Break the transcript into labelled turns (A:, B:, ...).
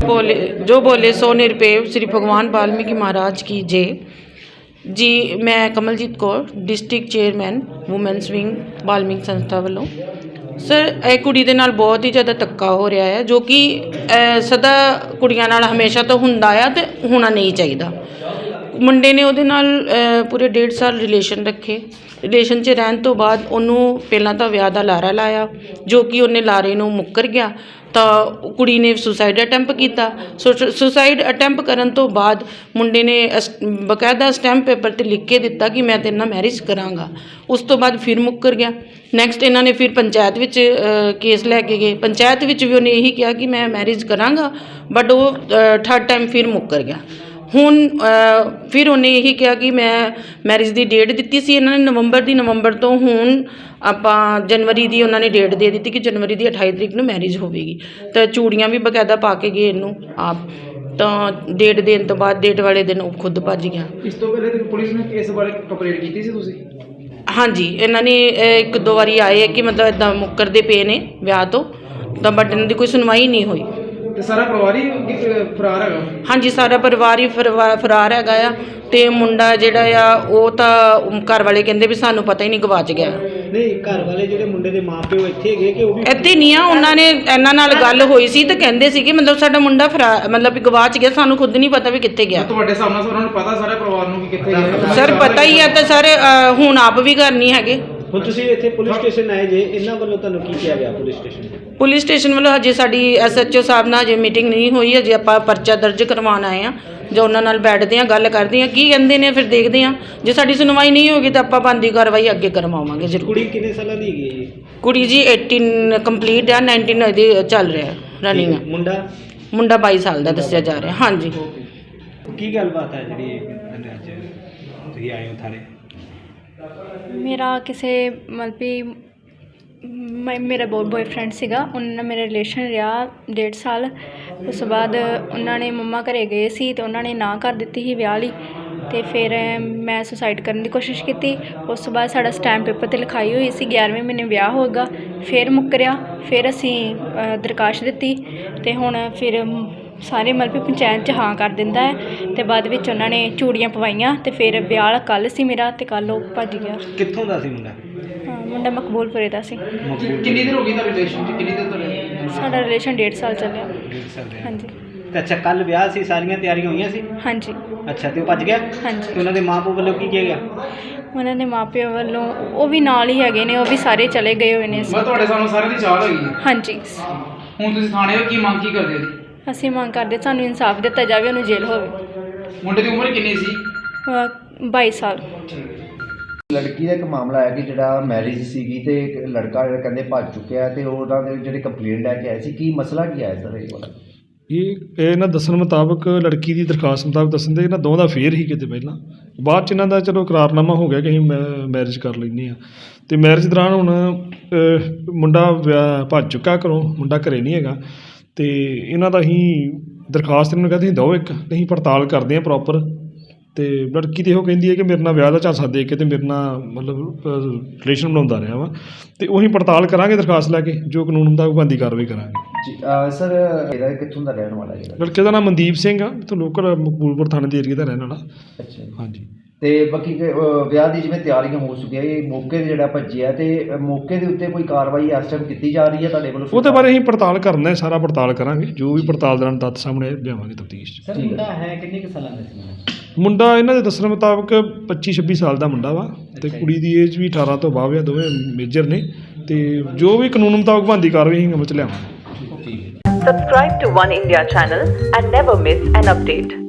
A: बोले सो निरपेव श्री भगवान वाल्मीकि महाराज की जय जी। मैं Kamaljit Kaur district chairman women's wing Valmiki संस्था वालों। सर ਇਹ ਕੁੜੀ ਦੇ ਨਾਲ ਬਹੁਤ ਹੀ ਜ਼ਿਆਦਾ ਧੱਕਾ ਹੋ ਰਿਹਾ ਹੈ ਜੋ ਕਿ ਸਦਾ ਕੁੜੀਆਂ ਨਾਲ ਹਮੇਸ਼ਾ ਤੋਂ ਹੁੰਦਾ ਆ ਤੇ ਹੋਣਾ ਨਹੀਂ ਚਾਹੀਦਾ। ਮੁੰਡੇ ਨੇ ਉਹਦੇ ਨਾਲ ਪੂਰੇ 1.5 ਸਾਲ ਰਿਲੇਸ਼ਨ ਰੱਖੇ। ਰਿਲੇਸ਼ਨ 'ਚ ਰਹਿਣ ਤੋਂ ਬਾਅਦ ਉਹਨੂੰ ਪਹਿਲਾਂ ਤਾਂ ਵਿਆਹ ਦਾ ਲਾਰਾ ਲਾਇਆ ਜੋ ਕਿ ਉਹਨੇ ਲਾਰੇ ਨੂੰ ਮੁੱਕਰ ਗਿਆ ਤਾਂ ਕੁੜੀ ਨੇ ਸੁਸਾਈਡ ਅਟੈਂਪ ਕੀਤਾ। ਸੁਸਾਈਡ ਅਟੈਂਪ ਕਰਨ ਤੋਂ ਬਾਅਦ ਮੁੰਡੇ ਨੇ ਬਕਾਇਦਾ ਸਟੈਂਪ ਪੇਪਰ 'ਤੇ ਲਿਖ ਕੇ ਦਿੱਤਾ ਕਿ ਮੈਂ ਤੇਰੇ ਨਾਲ ਮੈਰਿਜ ਕਰਾਂਗਾ। ਉਸ ਤੋਂ ਬਾਅਦ ਫਿਰ ਮੁੱਕਰ ਗਿਆ। ਨੈਕਸਟ ਇਹਨਾਂ ਨੇ ਫਿਰ ਪੰਚਾਇਤ ਵਿੱਚ ਕੇਸ ਲੈ ਕੇ ਗਏ। ਪੰਚਾਇਤ ਵਿੱਚ ਵੀ ਉਹਨੇ ਇਹੀ ਕਿਹਾ ਕਿ ਮੈਂ ਮੈਰਿਜ ਕਰਾਂਗਾ ਬਟ ਉਹ ਥਰਡ ਟਾਈਮ ਫਿਰ ਮੁੱਕਰ ਗਿਆ। ਹੁਣ ਫਿਰ ਉਹਨੇ ਇਹੀ ਕਿਹਾ ਕਿ ਮੈਂ ਮੈਰਿਜ ਦੀ ਡੇਟ ਦਿੱਤੀ ਸੀ ਇਹਨਾਂ ਨੇ ਨਵੰਬਰ ਤੋਂ ਹੁਣ ਆਪਾਂ ਜਨਵਰੀ ਦੀ ਉਹਨਾਂ ਨੇ ਡੇਟ ਦੇ ਦਿੱਤੀ ਕਿ ਜਨਵਰੀ ਦੀ 28 ਤਰੀਕ ਨੂੰ ਮੈਰਿਜ ਹੋਵੇਗੀ। ਤਾਂ ਚੂੜੀਆਂ ਵੀ ਬਕਾਇਦਾ ਪਾ ਕੇ ਗਏ ਇਹਨੂੰ ਆਪ। ਤਾਂ ਡੇਟ ਦੇਣ ਤੋਂ ਬਾਅਦ ਡੇਟ ਵਾਲੇ ਦਿਨ ਉਹ ਖੁਦ ਭੱਜ ਗਿਆ।
B: ਇਸ ਤੋਂ ਪਹਿਲੇ ਤੇ ਪੁਲਿਸ ਨੇ ਇਸ ਬਾਰੇ ਕੰਪਲੇਂਟ ਕੀਤੀ ਸੀ ਤੁਸੀਂ?
A: ਹਾਂਜੀ, ਇਹਨਾਂ ਨੇ 1-2 ਵਾਰੀ ਆਏ ਕਿ ਮਤਲਬ ਇੱਦਾਂ ਮੁੱਕਰਦੇ ਪਏ ਨੇ ਵਿਆਹ ਤੋਂ ਤਾਂ ਬਟ ਇਹਨਾਂ ਦੀ ਕੋਈ ਸੁਣਵਾਈ ਨਹੀਂ ਹੋਈ।
B: ਤੇ ਸਾਰਾ ਪਰਿਵਾਰ ਹੀ ਫਰਾਰ ਹੈਗਾ? ਹਾਂਜੀ,
A: ਸਾਰਾ ਪਰਿਵਾਰ ਹੀ ਫਰਾਰ ਹੈਗਾ ਆ। ਤੇ ਮੁੰਡਾ ਜਿਹੜਾ ਆ ਉਹ ਤਾਂ ਘਰ ਵਾਲੇ ਕਹਿੰਦੇ ਵੀ ਸਾਨੂੰ ਪਤਾ ਹੀ ਨਹੀਂ ਗਵਾਚ ਗਿਆ।
B: ਨਹੀਂ, ਘਰ ਵਾਲੇ ਜਿਹੜੇ ਮੁੰਡੇ ਦੇ ਮਾਪਿਓ ਇੱਥੇ ਹੈਗੇ ਕਿ ਉਹ ਵੀ
A: ਇੱਥੇ ਨਹੀਂ ਆ? ਉਹਨਾਂ ਨੇ ਇਹਨਾਂ ਨਾਲ ਗੱਲ ਹੋਈ ਸੀ ਤਾਂ ਕਹਿੰਦੇ ਸੀ ਕਿ ਮਤਲਬ ਸਾਡਾ ਮੁੰਡਾ ਮਤਲਬ ਵੀ ਗਵਾਚ ਗਿਆ, ਸਾਨੂੰ ਖੁਦ ਨਹੀਂ ਪਤਾ ਵੀ ਕਿੱਥੇ ਗਿਆ।
B: ਤੁਹਾਡੇ ਸਾਹਮਣੇ ਉਹਨਾਂ ਨੂੰ ਪਤਾ ਸਾਰੇ ਪਰਿਵਾਰ ਨੂੰ ਕਿ ਕਿੱਥੇ ਗਿਆ?
A: ਸਰ ਪਤਾ ਹੀ ਆ ਤਾਂ ਸਰ ਹੁਣ ਆਪ ਵੀ ਘਰ ਨਹੀਂ ਹੈਗੇ।
B: ਹੁਣ ਤੁਸੀਂ ਇੱਥੇ ਪੁਲਿਸ ਸਟੇਸ਼ਨ ਆਏ ਜੇ, ਇਹਨਾਂ ਵੱਲੋਂ ਤੁਹਾਨੂੰ ਕੀ ਕਿਹਾ ਗਿਆ ਪੁਲਿਸ ਸਟੇਸ਼ਨ
A: ਵੱਲੋਂ? ਹਜੇ ਸਾਡੀ SHO ਸਾਹਿਬ ਨਾਲ ਹਜੇ ਮੀਟਿੰਗ ਨਹੀਂ ਹੋਈ। ਹਜੇ ਆਪਾਂ ਪਰਚਾ ਦਰਜ ਕਰਵਾਉਣ ਆਏ ਹਾਂ ਜੋ ਉਹਨਾਂ ਨਾਲ ਬੈਠਦੇ ਹਾਂ, ਗੱਲ ਕਰਦੇ ਹਾਂ ਕੀ ਕਹਿੰਦੇ ਨੇ, ਫਿਰ ਦੇਖਦੇ ਹਾਂ। ਜੇ ਸਾਡੀ ਸੁਣਵਾਈ ਨਹੀਂ ਹੋਗੀ ਤਾਂ ਆਪਾਂ ਬਣਦੀ ਕਾਰਵਾਈ ਅੱਗੇ ਕਰਵਾਵਾਂਗੇ ਜ਼ਰੂਰ।
B: ਕੁੜੀ ਕਿੰਨੇ ਸਾਲਾਂ ਦੀ ਹੈਗੀ ਹੈ?
A: ਕੁੜੀ ਜੀ 18 ਕੰਪਲੀਟ ਆ, 19 ਇਹਦੀ ਚੱਲ ਰਿਹਾ ਰਨਿੰਗ। ਮੁੰਡਾ 22 ਸਾਲ ਦਾ ਦੱਸਿਆ ਜਾ ਰਿਹਾ। ਹਾਂਜੀ,
B: ਕੀ ਗੱਲਬਾਤ ਹੈ ਜਿਹੜੀ ਅੱਜ ਤੁਸੀਂ ਆਏ ਹੋ ਥਾਣੇ?
C: ਮੇਰਾ ਕਿਸੇ ਮਤਲਬ ਵੀ ਮੇਰਾ ਬॉयਫ੍ਰੈਂਡ ਸੀਗਾ, ਉਹਨਾਂ ਨਾਲ ਮੇਰਾ ਰਿਲੇਸ਼ਨ ਰਿਹਾ 1.5 ਸਾਲ। ਉਸ ਤੋਂ ਬਾਅਦ ਉਹਨਾਂ ਨੇ ਮੰਮਾ ਘਰੇ ਗਏ ਸੀ ਅਤੇ ਉਹਨਾਂ ਨੇ ਨਾ ਕਰ ਦਿੱਤੀ ਸੀ ਵਿਆਹ ਲਈ। ਅਤੇ ਫਿਰ ਮੈਂ ਸੁਸਾਈਡ ਕਰਨ ਦੀ ਕੋਸ਼ਿਸ਼ ਕੀਤੀ। ਉਸ ਤੋਂ ਬਾਅਦ ਸਾਡਾ ਸਟੈਂਪ ਪੇਪਰ 'ਤੇ ਲਿਖਾਈ ਹੋਈ ਸੀ 11ਵੇਂ ਮਹੀਨੇ ਵਿਆਹ ਹੋਏਗਾ। ਫਿਰ ਮੁੱਕਰਿਆ। ਫਿਰ ਅਸੀਂ ਦਰਖਾਸਤ ਦਿੱਤੀ ਅਤੇ ਹੁਣ ਫਿਰ ਸਾਰੇ ਮਤਲਬ ਵੀ ਪੰਚਾਇਤ 'ਚ ਹਾਂ ਕਰ ਦਿੰਦਾ ਹੈ ਅਤੇ ਬਾਅਦ ਵਿੱਚ ਉਹਨਾਂ ਨੇ ਚੂੜੀਆਂ ਪਵਾਈਆਂ ਅਤੇ ਫਿਰ ਵਿਆਹ ਕੱਲ੍ਹ ਸੀ ਮੇਰਾ ਅਤੇ ਕੱਲ੍ਹ ਉਹ ਭੱਜ ਗਿਆ।
B: ਕਿੱਥੋਂ ਦਾ ਸੀ ਮੁੰਡਾ?
C: ਮੁੰਡਾ ਮਕਬੂਲਪੁਰੇ ਦਾ ਸੀ।
B: ਕਿੰਨੀ ਦੇਰ ਹੋ ਗਈ ਤੁਹਾਡੇ ਰਿਲੇਸ਼ਨ 'ਚ? ਕਿੰਨੀ ਦੇਰ ਤੋਂ?
C: ਸਾਡਾ ਰਿਲੇਸ਼ਨ 1.5 ਸਾਲ ਚੱਲਿਆ।
B: 1.5 ਸਾਲ?
C: ਹਾਂਜੀ।
B: ਤੇ ਅੱਛਾ, ਕੱਲ੍ਹ ਵਿਆਹ ਸੀ, ਸਾਰੀਆਂ ਤਿਆਰੀਆਂ ਹੋਈਆਂ ਸੀ?
C: ਹਾਂਜੀ।
B: ਅੱਛਾ, ਤੇ ਉਹ ਭੱਜ ਗਿਆ?
C: ਹਾਂਜੀ।
B: ਤੇ ਉਹਨਾਂ ਦੇ ਮਾਂ ਪਿਓ ਵੱਲੋਂ ਕੀ ਕਿਹਾ ਗਿਆ?
C: ਉਹਨਾਂ ਦੇ ਮਾਪਿਆਂ ਵੱਲੋਂ ਉਹ ਵੀ ਨਾਲ ਹੀ ਹੈਗੇ ਨੇ, ਉਹ ਵੀ ਸਾਰੇ ਚਲੇ ਗਏ ਹੋਏ ਨੇ।
B: ਮੈਂ ਤੁਹਾਡੇ ਸਾਹਮਣੇ ਸਾਰਿਆਂ ਦੀ ਚਾਲ ਹੈਗੀ ਹੈ?
C: ਹਾਂਜੀ।
B: ਹੁਣ ਤੁਸੀਂ ਥਾਣੇ ਹੋ, ਕੀ ਮੰਗ ਕੀ ਕਰਦੇ ਹੋ?
C: ਅਸੀਂ ਮੰਗ ਕਰਦੇ ਸਾਨੂੰ ਇਨਸਾਫ ਦਿੱਤਾ ਜਾਵੇ, ਉਹਨੂੰ ਜੇਲ੍ਹ ਹੋਵੇ।
B: ਮੁੰਡੇ ਦੀ ਉਮਰ ਕਿੰਨੀ ਸੀ?
C: 22 ਸਾਲ।
D: ਲੜਕੀ ਦਾ ਇੱਕ ਮਾਮਲਾ ਹੈ ਕਿ ਜਿਹੜਾ ਮੈਰਿਜ ਸੀਗੀ ਤੇ ਇੱਕ ਲੜਕਾ ਜਿਹੜਾ ਕਹਿੰਦੇ ਭੱਜ ਚੁੱਕਿਆ ਤੇ ਉਹਨਾਂ ਦੇ ਜਿਹੜੇ ਕੰਪਲੇਂਟ ਲੈ ਕੇ ਆਏ ਸੀ, ਕੀ ਮਸਲਾ ਕੀ ਆਇਆ ਸਰ ਇਹ ਵਾਲਾ?
E: ਇਹ ਇਹਨਾਂ ਦੱਸਣ ਮੁਤਾਬਕ ਲੜਕੀ ਦੀ ਦਰਖਾਸਤ ਮੁਤਾਬਕ ਦੱਸਣ ਦੇ ਇਹਨਾਂ ਦੋਵਾਂ ਦਾ ਅਫੇਅਰ ਹੀ ਕਿਤੇ ਪਹਿਲਾਂ, ਬਾਅਦ 'ਚ ਇਹਨਾਂ ਦਾ ਚਲੋ ਇਕਰਾਰਨਾਮਾ ਹੋ ਗਿਆ ਕਿ ਅਸੀਂ ਮੈਰਿਜ ਕਰ ਲੈਂਦੇ ਹਾਂ। ਅਤੇ ਮੈਰਿਜ ਦੌਰਾਨ ਹੁਣ ਮੁੰਡਾ ਭੱਜ ਚੁੱਕਾ ਘਰੋਂ, ਮੁੰਡਾ ਘਰੇ ਨਹੀਂ ਹੈਗਾ। ਅਤੇ ਇਹਨਾਂ ਦਾ ਅਸੀਂ ਦਰਖਾਸਤ ਇਹਨਾਂ ਨੂੰ ਕਹਿੰਦੇ ਦਿਓ ਇੱਕ, ਅਸੀਂ ਪੜਤਾਲ ਕਰਦੇ ਹਾਂ ਪ੍ਰੋਪਰ। ਅਤੇ ਲੜਕੀ ਤਾਂ ਇਹੋ ਕਹਿੰਦੀ ਹੈ ਕਿ ਮੇਰੇ ਨਾਲ ਵਿਆਹ ਦਾ ਝਾਂਸਾ ਦੇ ਕੇ ਅਤੇ ਮੇਰੇ ਨਾਲ ਮਤਲਬ ਰਿਲੇਸ਼ਨ ਬਣਾਉਂਦਾ ਰਿਹਾ ਵਾ। ਅਤੇ ਉਹੀ ਪੜਤਾਲ ਕਰਾਂਗੇ ਦਰਖਾਸਤ ਲੈ ਕੇ, ਜੋ ਕਾਨੂੰਨ ਮੁਤਾਬਕ ਬਣਦੀ ਕਾਰਵਾਈ ਕਰਾਂਗੇ।
D: ਜੀ ਸਰ, ਇਹਦਾ ਕਿੱਥੋਂ ਦਾ ਰਹਿਣ ਵਾਲਾ ਜਿਹੜਾ?
E: ਲੜਕੇ ਦਾ ਨਾਮ ਮਨਦੀਪ ਸਿੰਘ ਆ, ਇੱਥੋਂ ਲੋਕਲ ਮਕਬੂਲਪੁਰ ਥਾਣੇ ਦੇ ਏਰੀਏ ਦਾ ਰਹਿਣ ਵਾਲਾ।
D: ਅੱਛਾ ਜੀ।
E: ਹਾਂਜੀ।
D: ਅਤੇ ਬਾਕੀ ਵਿਆਹ ਦੀ ਜਿਵੇਂ ਤਿਆਰੀਆਂ ਹੋ ਚੁੱਕੀਆਂ, ਇਹ ਮੌਕੇ 'ਤੇ ਜਿਹੜਾ ਭੱਜਿਆ ਅਤੇ ਮੌਕੇ ਦੇ ਉੱਤੇ ਕੋਈ ਕਾਰਵਾਈ ਇਸ ਟਾਈਮ ਕੀਤੀ ਜਾ ਰਹੀ ਹੈ ਤੁਹਾਡੇ ਵੱਲੋਂ?
E: ਉਹਦੇ ਬਾਰੇ ਅਸੀਂ ਪੜਤਾਲ ਕਰਨਾ ਹੈ, ਸਾਰਾ ਪੜਤਾਲ ਕਰਾਂਗੇ, ਜੋ ਵੀ ਪੜਤਾਲ ਦੌਰਾਨ ਤੱਥ ਸਾਹਮਣੇ ਲਿਆਵਾਂਗੇ ਤਫਤੀਸ਼ 'ਚ।
B: ਸਰ, ਮੁੰਡਾ ਹੈ ਕਿੰਨੇ ਕੁ ਸਾਲਾਂ ਦਾ ਸੀ?
E: ਮੁੰਡਾ ਇਹਨਾਂ ਦੇ ਦੱਸਣ ਮੁਤਾਬਕ 25-26 ਸਾਲ ਦਾ ਮੁੰਡਾ ਵਾ ਅਤੇ ਕੁੜੀ ਦੀ ਏਜ ਵੀ 18 ਤੋਂ ਬਾਅਦ ਆ, ਦੋਵੇਂ ਮੇਜਰ ਨੇ। ਅਤੇ ਜੋ ਵੀ ਕਾਨੂੰਨ ਮੁਤਾਬਕ ਬਣਦੀ ਕਾਰਵਾਈ ਅਸੀਂ ਅਮਲ 'ਚ ਲਿਆਵਾਂਗੇ।
F: Subscribe to One India channel and never miss an update.